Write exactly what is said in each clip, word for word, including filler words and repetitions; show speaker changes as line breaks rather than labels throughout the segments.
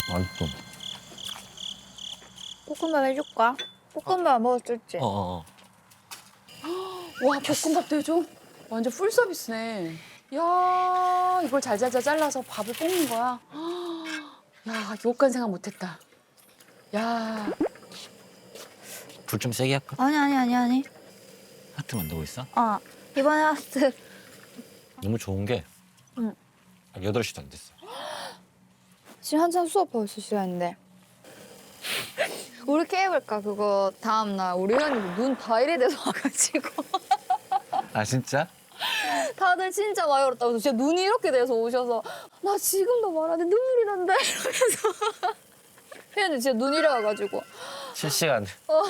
완전.
볶음밥 해줄까? 볶음밥 먹을 수 있지?
어어어.
와 볶음밥도 해줘? 완전 풀 서비스네. 야 이걸 잘잘잘 잘라서 밥을 볶는 거야. 야 이것까지 생각 못했다. 야
불 좀 세게 할까?
아니 아니 아니 아니.
하트 만들고 있어?
어 이번에 하트.
너무 좋은 게
응.
아직 여덟 시도 안 됐어.
지금 한참 수업하고 있을 시간인데. 우리 케이블카 그거 다음날 우리 회원님 눈다 이래 돼서 와가지고
아 진짜?
다들 진짜 많이 울었다고 진짜 눈이 이렇게 돼서 오셔서 나 지금도 말하는데 눈물이 난다 이러면서 회원님 진짜 눈이 이래가지고
실시간.
어.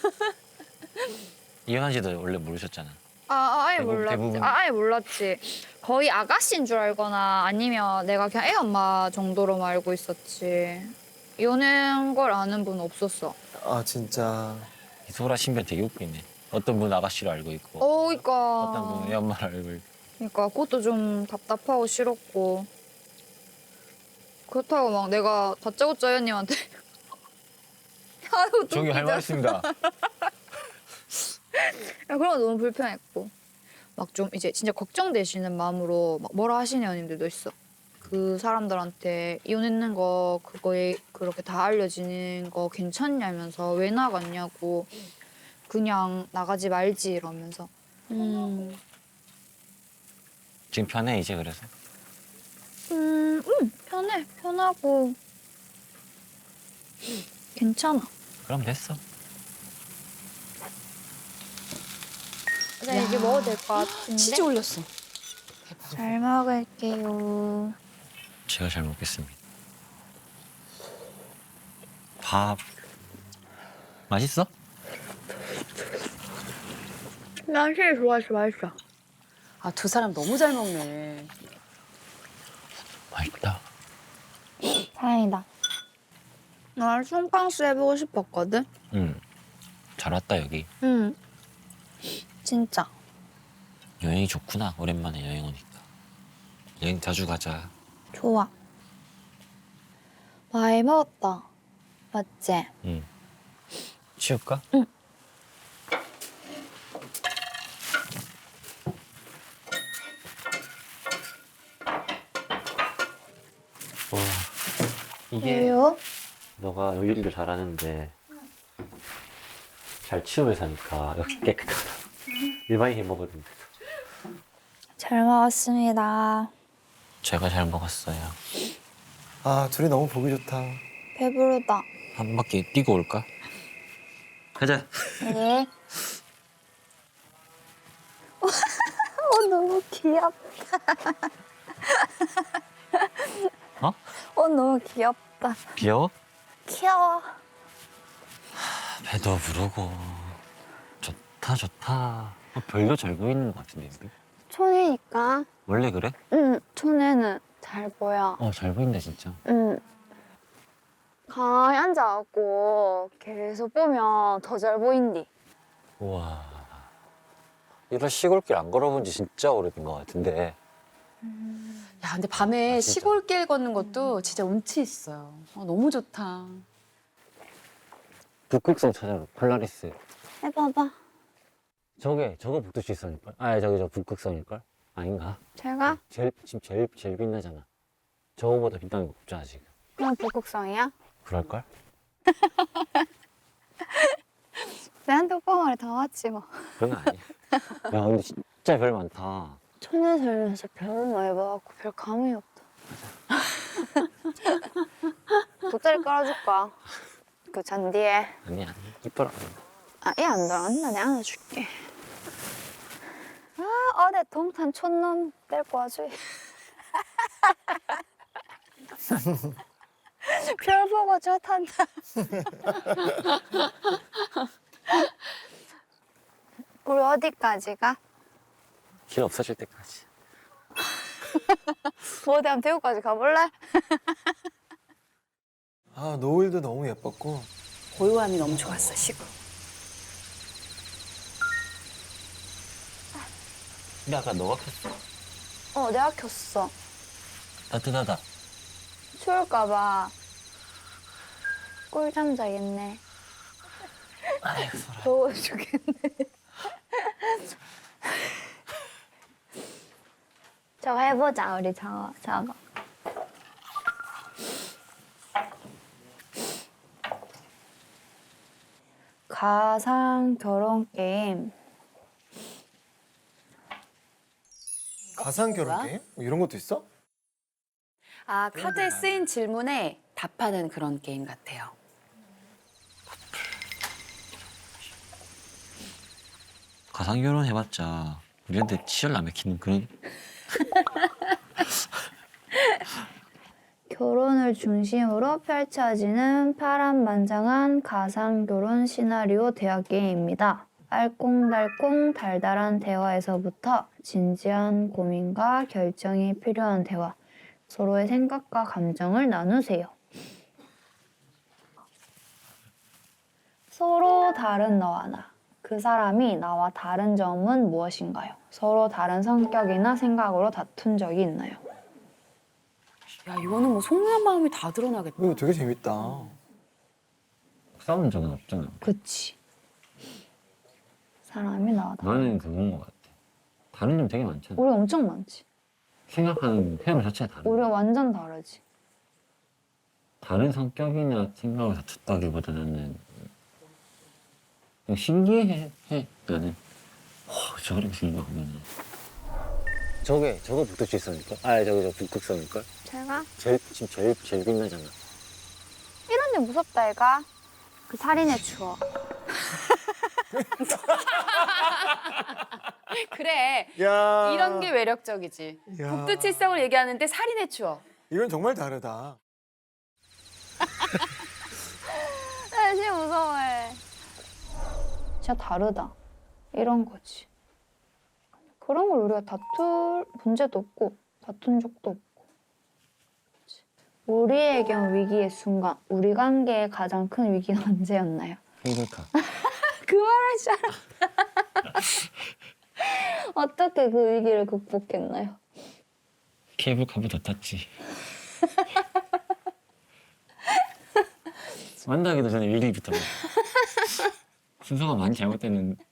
이현아 씨도 원래 모르셨잖아.
아, 아 아예
대부분-
몰랐지.
대부분.
아, 아예 몰랐지. 거의 아가씨인 줄 알거나 아니면 내가 그냥 애 엄마 정도로만 알고 있었지. 연애한 걸 아는 분 없었어.
아 진짜.
이소라 신변 되게 웃기네. 어떤 분 아가씨로 알고 있고
어, 그니까.
어떤 분은 애 엄마를 알고 있고.
그니까 그것도 좀 답답하고 싫었고. 그렇다고 막 내가 다짜고짜 회원님한테 아이고,
저기 할 말 있습니다.
야, 그런 거 너무 불편했고. 막 좀 이제 진짜 걱정되시는 마음으로 막 뭐라 하시는 회원님들도 있어. 그 사람들한테 이혼했는 거 그거에 그렇게 다 알려지는 거 괜찮냐면서 왜 나갔냐고 그냥 나가지 말지 이러면서. 음,
지금 편해 이제 그래서.
음, 음 편해 편하고 괜찮아.
그럼 됐어.
네, 이제 먹어도 될 것 같은데.
치즈 올렸어.
잘 먹을게요.
제가 잘 먹겠습니다. 밥 맛있어?
난 제일 좋아했어, 맛있어.
아 두 사람 너무 잘 먹네.
맛있다.
다행이다. 나 송캉스 해보고 싶었거든.
응. 잘 왔다 여기.
응. 진짜.
여행이 좋구나. 오랜만에 여행 오니까. 여행 자주 가자.
좋아. 많이 먹었다. 맞지?
응. 치울까?
응.
와. 이게
왜요?
너가 요리를 잘하는데 잘 치우면서 하니까 역시 깨끗하다. 일반인 해 먹었는데.
잘 먹었습니다.
제가 잘 먹었어요.
아 둘이 너무 보기 좋다.
배부르다.
한 바퀴 뛰고 올까? 가자.
네. 어, 너무 귀엽다.
어?
어, 너무 귀엽다.
귀여워?
귀여워.
배도 부르고 좋다 좋다. 어, 별도 잘 보이는 것 같은데 여기?
촌이니까.
원래 그래?
응, 촌에는 잘 보여.
어 잘 보인다 진짜.
응. 가만히 앉아갖고 계속 보면 더 잘 보인디.
우와. 이런 시골길 안 걸어본 지 진짜 오래된 것 같은데.
야 근데 밤에
아, 진짜?
시골길 걷는 것도 진짜 운치 있어요. 어, 너무 좋다.
북극성 찾아라. 폴라리스.
해봐봐.
저게 저거 북두칠성일걸? 아 저기 저 북극성일걸? 아닌가?
제가?
제일 지금 제일 제일 빛나잖아. 저거보다 빛나는 거 없잖아 지금.
그냥 북극성이야?
그럴걸?
내 핸드폰을 다 왔지 뭐.
그런 거 아니야. 야 근데 진짜 별 많다.
촌에 살면서 별로 많이 봐갖고 별 감이 없다. 돗자리 깔아줄까? 그 잔디에.
아니야 아니 이뻐라.
아, 얘 안 들어간다. 내가 안아줄게. 아, 어제 동탄 촌놈 데리고 와줘. 별 보고 좋단다. 우리 어디까지 가?
길 없어질 때까지.
뭐 어디 한번 대구까지 가볼래?
아 노을도 너무 예뻤고.
고요함이 너무 좋았어 시골.
근데 아까 너가 켰어.
어, 내가 켰어.
따뜻하다.
추울까봐. 꿀잠 자겠네.
아이고 소라.
더워 죽겠네. 저거 해보자 우리 저거 저거. 가상 결혼 게임.
가상 결혼 게임? 뭐 이런 것도 있어?
아, 카드에 쓰인 질문에 답하는 그런 게임 같아요.
가상 결혼 해봤자 우리한테 치열 안 맥히는 그런.
결혼을 중심으로 펼쳐지는 파란만장한 가상 결혼 시나리오 대화 게임입니다. 알콩달콩 달달한 대화에서부터 진지한 고민과 결정이 필요한 대화, 서로의 생각과 감정을 나누세요. 서로 다른 너와 나, 그 사람이 나와 다른 점은 무엇인가요? 서로 다른 성격이나 생각으로 다툰 적이 있나요?
야, 이거는 뭐 속는 마음이 다 드러나겠다.
이거 되게 재밌다.
싸운 적은 없잖아.
그치. 사람이 나와 다른.
나는 그건 것 같아. 다른 점 되게 많잖아.
우리 엄청 많지.
생각하는 태양 자체가 다른.
우리 완전 다르지.
다른 성격이나 생각을 다투다기보다는 그냥 신기해. 해. 나는 와 저렇게 생각하면 저게 저거 북두칠성일걸? 아 저기 저 북극성일걸?
제가?
제일 지금 제일 제일 빛나잖아.
이런 데 무섭다 얘가. 그 살인의 추억.
그래.
야.
이런 게 매력적이지.
야.
북두칠성을 얘기하는데 살인의 추억.
이건 정말 다르다.
나 진짜 무서워해. 진짜 다르다. 이런 거지. 그런 걸 우리가 다툴 문제도 없고 다툰 적도 없고. 그치. 우리에겐 위기의 순간, 우리 관계의 가장 큰 위기는 언제였나요?
케이블카.
그 말할 줄 알았다. 어떻게 그 위기를 극복했나요?
케이블카보다 탔지. 만나기도 전에 위기부터 막. 순서가 많이 잘못됐는데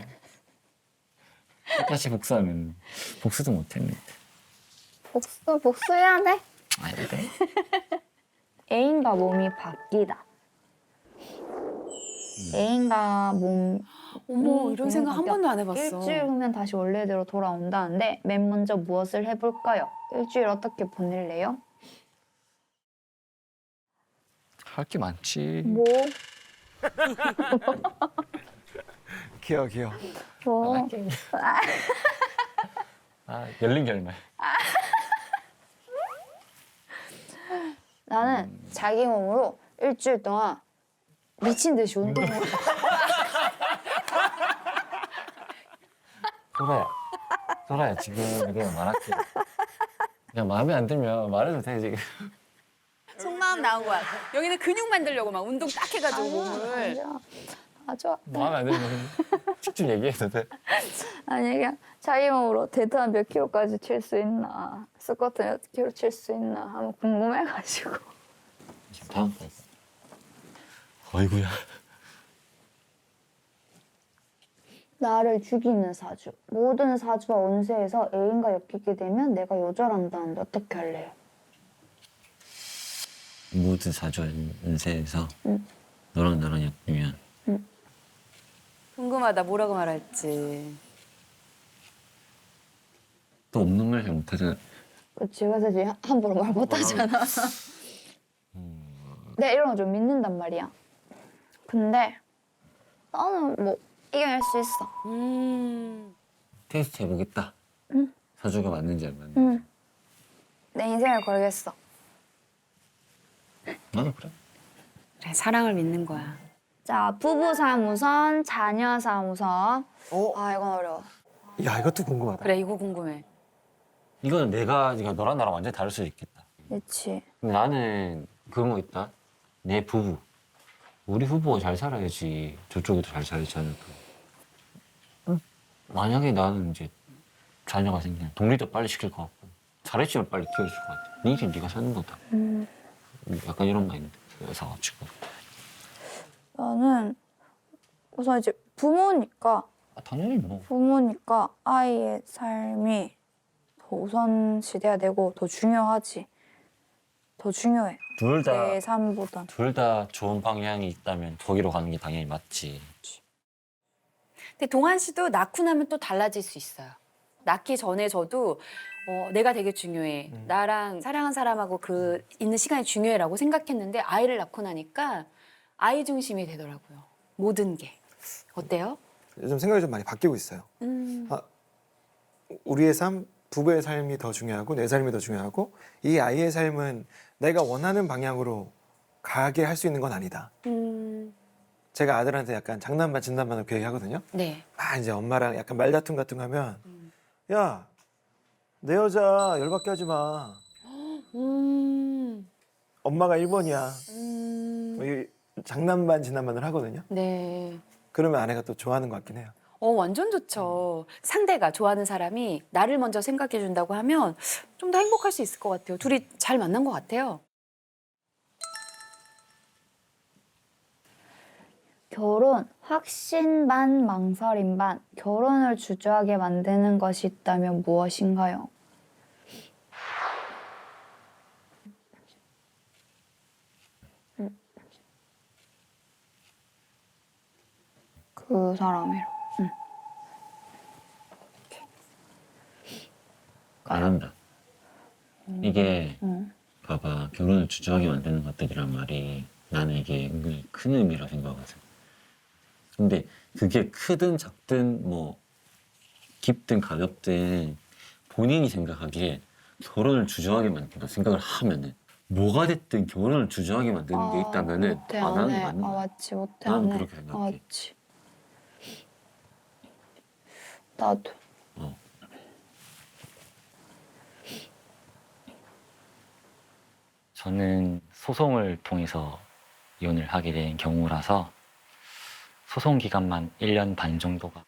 똑같이 복수하면 복수도 못했는데.
복수, 복수해야 돼.
아니 돼?
애인과 몸이 바뀌다. 애인과 몸
어머,
음,
이런 생각 한
바뀌어.
번도 안 해봤어.
일주일 후면 다시 원래대로 돌아온다는데 맨 먼저 무엇을 해볼까요? 일주일 어떻게 보낼래요?
할 게 많지.
뭐?
귀여워 귀여워.
뭐?
아 열린 결말.
나는 자기 몸으로 일주일 동안 미친 듯이 운동을 해.
소라야, 소라야 지금 내가 말할게. 그냥 마음에 안 들면 말해도 돼 지금.
속마음 나온 거야. 여기는 근육 만들려고 막 운동 딱 해가지고 몸을.
맞아. 맞아.
마음에 안 들면 직접 얘기해도 돼.
아니 그냥 자기 몸으로 데드한 몇 킬로까지 칠 수 있나, 스쿼트 몇 킬로 칠 수 있나 한번 궁금해가지고.
다음 거. 어이구야.
나를 죽이는 사주. 모든 사주와 운세에서 애인과 엮이게 되면 내가 요절한다는데 어떻게 할래요?
모든 사주 운세에서
응.
너랑 나랑 엮이면
궁금하다. 뭐라고 말할지.
또 없는 말 잘 못하잖아.
그치, 그래서 이제 함부로 말 못하잖아. 내가 이런 거 좀 믿는단 말이야. 근데 나는 뭐 이겨낼 수 있어.
음.
테스트 해보겠다.
응.
사주가 맞는지 안 맞는지.
응. 내 인생을 걸겠어.
나도 그래.
그래, 사랑을 믿는 거야.
자, 부부 사무선, 자녀 사무선.
어?
아, 이건 어려워.
야 이것도 궁금하다.
그래, 이거 궁금해.
이거는 내가 이거 너랑 나랑 완전히 다를 수도 있겠다.
그치.
근데 나는 그런 거 있다. 내 부부. 우리 부부가 잘 살아야지 저쪽에도 잘 살지 않을까. 응? 만약에 나는 이제 자녀가 생기면 독립도 빨리 시킬 것 같고 잘했지만 빨리 키워줄 것 같아. 네 인생 네가 사는 거다.
음.
약간 이런 마인드. 그래서 가지고
나는 우선 이제 부모니까
아, 당연히 뭐.
부모니까 아이의 삶이 더 우선시 돼야 되고 더 중요하지. 더 중요해.
둘 다,
내 삶보단.
둘 다 좋은 방향이 있다면 거기로 가는 게 당연히 맞지.
근데 동한 씨도 낳고 나면 또 달라질 수 있어요. 낳기 전에 저도 어, 내가 되게 중요해.
음.
나랑 사랑한 사람하고 그 있는 시간이 중요해라고 생각했는데 아이를 낳고 나니까 아이 중심이 되더라고요. 모든 게. 어때요?
요즘 생각이 좀 많이 바뀌고 있어요.
음.
아, 우리의 삶, 부부의 삶이 더 중요하고 내 삶이 더 중요하고 이 아이의 삶은 내가 원하는 방향으로 가게 할 수 있는 건 아니다.
음.
제가 아들한테 약간 장난반 진단반을 그 얘기하거든요.
네.
아 이제 엄마랑 약간 말다툼 같은 거 하면
음.
야, 내 여자 열받게 하지 마.
음.
엄마가 일 번이야.
음.
뭐 이 장난반 진단반을 하거든요.
네.
그러면 아내가 또 좋아하는 것 같긴 해요.
어, 완전 좋죠. 상대가 좋아하는 사람이 나를 먼저 생각해 준다고 하면 좀 더 행복할 수 있을 것 같아요. 둘이 잘 만난 것 같아요.
결혼 확신 반 망설임 반 결혼을 주저하게 만드는 것이 있다면 무엇인가요? 그 사람이랑.
안 한다. 이게
응.
봐봐, 결혼을 주저하게 만드는 것들이란 말이 나는 이게 은근히 큰 의미라 생각하거든. 근데 그게 크든 작든 뭐 깊든 가볍든 본인이 생각하기에 결혼을 주저하게 만든다 생각을 하면은 뭐가 됐든 결혼을 주저하게 만드는 게 있다면은
못해
아,
안
나는
해.
맞는
아
거야.
맞지 못해
나는
안 해.
그렇게
아
생각해.
맞지. 나도.
어.
저는 소송을 통해서 이혼을 하게 된 경우라서 소송 기간만 일 년 반 정도가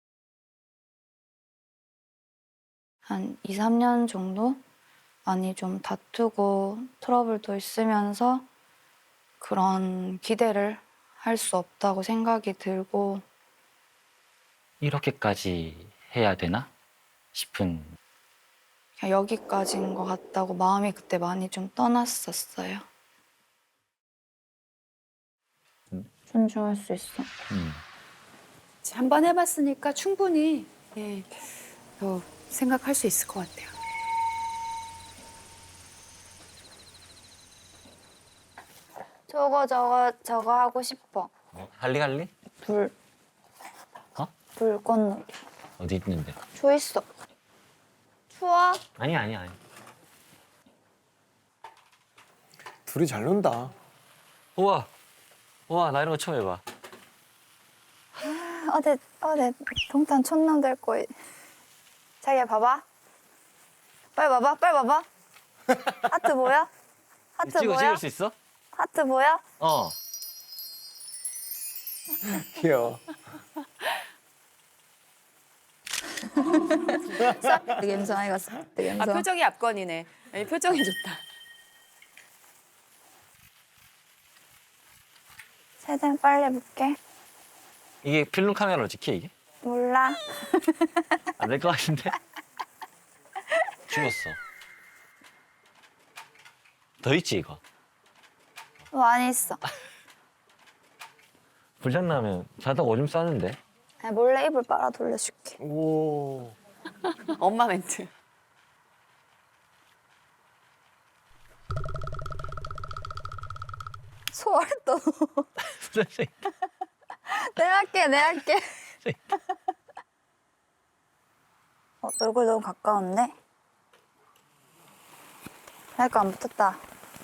한 이, 삼 년 정도? 많이 좀 다투고 트러블도 있으면서 그런 기대를 할 수 없다고 생각이 들고
이렇게까지 해야 되나 싶은
그냥 여기까지인 것 같다고 마음이 그때 많이 좀 떠났었어요.
음.
존중할 수 있어.
음.
한 번 해봤으니까 충분히 예, 더 생각할 수 있을 것 같아요.
저거 저거 저거 하고 싶어.
뭐, 할리갈리?
불.
어?
불꽃놀이.
어디 있는데?
저 있어. 추워?
아니 아니 아니.
둘이 잘 논다.
우와, 우와 나 이런 거 처음 해봐.
어제 어제 동탄 촌놈들 거에 자기야 봐봐. 빨리 봐봐. 빨리 봐봐. 하트 보여? 하트
찍어
보여?
찍을 수 있어?
하트 보여?
어.
귀여워.
되게 감성 이거 되게
아,
감성.
표정이 압권이네. 이 표정이 좋다.
최대한 빨리 해볼게.
이게 필름 카메라로 찍혀 이게?
몰라.
안 될 것 같은데? 죽었어. 더 있지 이거?
많이 있어.
불장나면 자다가 오줌 싸는데?
아니, 몰래 이불 빨아 돌려줄게.
오.
엄마 멘트.
소월 또. 내가 할게, 내가 할게. 어, 얼굴 너무 가까운데? 할거 안 붙었다.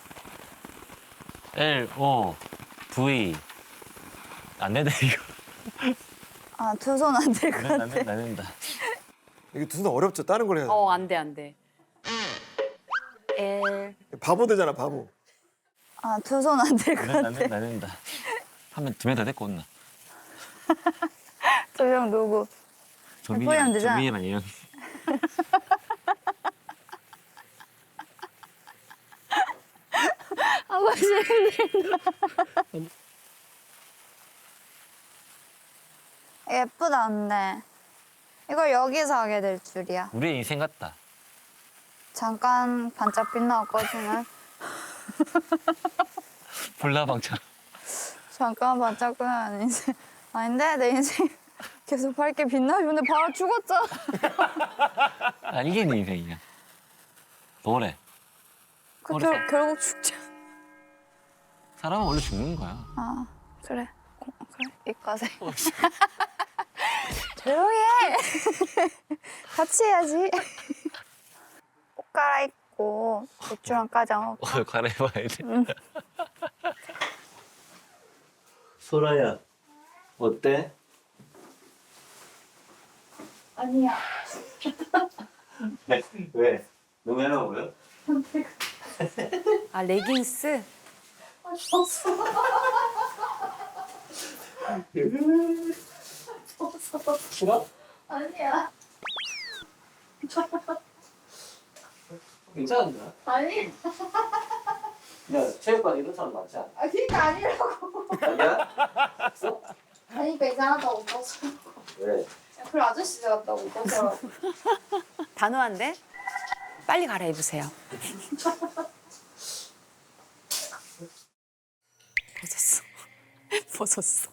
L, O, V. 안 된다 이거.
아, 두 손 안 될 것
안
같아.
된다 안 된다.
이게 두손 어렵죠. 다른 걸 해야 돼.
어, 안 돼, 안 돼.
L.
바보 되잖아, 바보.
아, 두 손 안 될 것
안 된다
같아.
안 된다 안 된다. 하면 두 명 다 데리고 온나.
두 명 누구? 포기하면 되잖아.
조민이랑 이형.
하고 싶은데. 예쁘다 근데 이걸 여기서 하게 될 줄이야.
우리의 인생 같다.
잠깐 반짝 빛나고 꺼지면
불나방처럼.
잠깐 반짝 빛나는 인생. 아닌데 내 인생 계속 밝게 빛나주는데 바로 죽었잖아.
아, 이게 내 인생이야. 노래.
그
어렸을
결, 결국 죽자.
사람은 원래 죽는 거야.
아 그래 고, 그래 이과생. 조용히 해. 같이 해야지. 옷 갈아입고 맥주랑 까자 먹.
어, 갈아입어야 돼. 소라야, 어때?
아니야.
네, 왜? 너무 해나 보여?
아 레깅스?
싫어?
아니야.
괜찮은데?
아니.
야, 체육관 이런 사람 많지 않아?
아 그니까 아니라고.
아니야?
아니까 이상하다고 웃었어.
왜?
그 아저씨 같다고 웃었어.
단호한데? 빨리 갈아입으세요. 벗었어. 벗었어.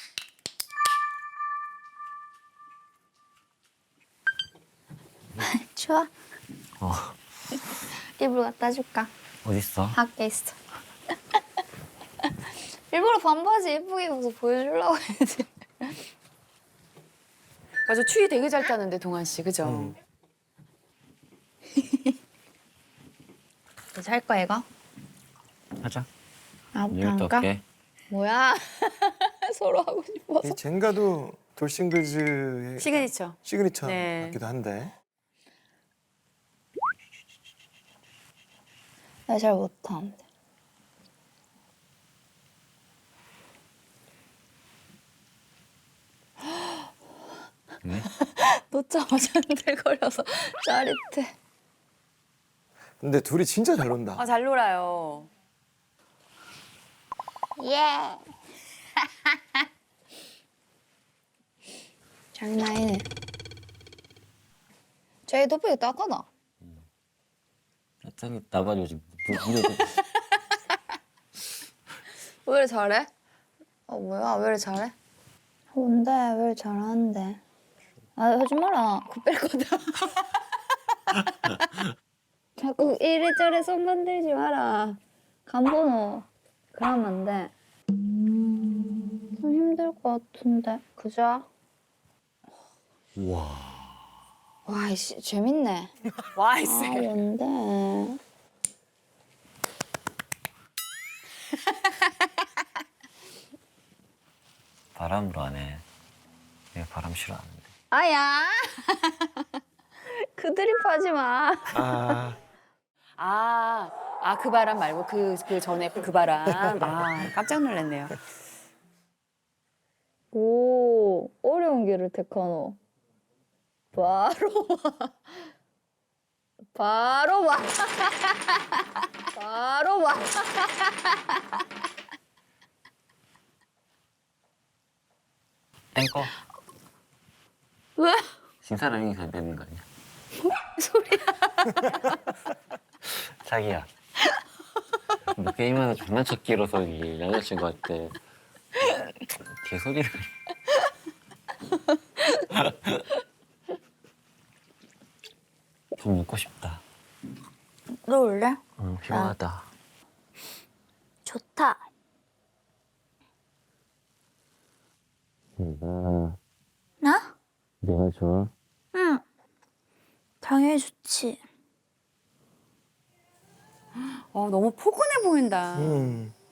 추워?
어,
이불 갖다 줄까?
어딨어?
밖에 있어. 일부러 반바지 예쁘게 입어서 보여주려고 했지.
맞아 추위 되게 잘 타는데 동환 씨 그죠?
음.
이제 할 거야 이거?
하자.
아,
이것도
할까?
할게.
뭐야? 서로 하고 싶어서.
이 젠가도 돌싱글즈의
시그니처.
시그니처
네.
같기도 한데.
나 잘 못하는데.
네?
놓자마자 흔들거려서 짜릿해.
근데 둘이 진짜 잘 논다.
아 잘 놀아요.
예. 장난 아니네. 저희 돋보기 닦아놔.
짱이 나가지고 지금 물- 물에
왜 이렇게 잘해? 어 뭐야 왜 이렇게 잘해? 뭔데 왜 이렇게 잘하는데? 아 하지 마라. 그거 뺄 거다. 자꾸 이래저래 손 건들지 마라. 간번호 그러면 안 돼. 좀 힘들 것 같은데 그죠?
우와.
와 이씨 재밌네.
와
아
있어.
뭔데?
바람으로 안 해. 내가 바람 싫어하는데.
아야. 그 드립 하지 마.
아,
아, 아, 그 바람 말고 그, 그 전에 그 바람. 아, 깜짝 놀랐네요.
오 어려운 길을 택하노. 바로 와. 바로 와. 바로 와.
땡꺼.
왜?
신사람이 되는 거 아니야?
소리야.
자기야. 너 게임하다 장난쳤기로서 이 여자친구한테 개소리를. 좀 묻고 싶다.
너 올래?
응, 피곤하다.
좋다.
음,
나?
내가 좋아.
응. 당연히 좋지.
어, 너무 포근해 보인다.
음.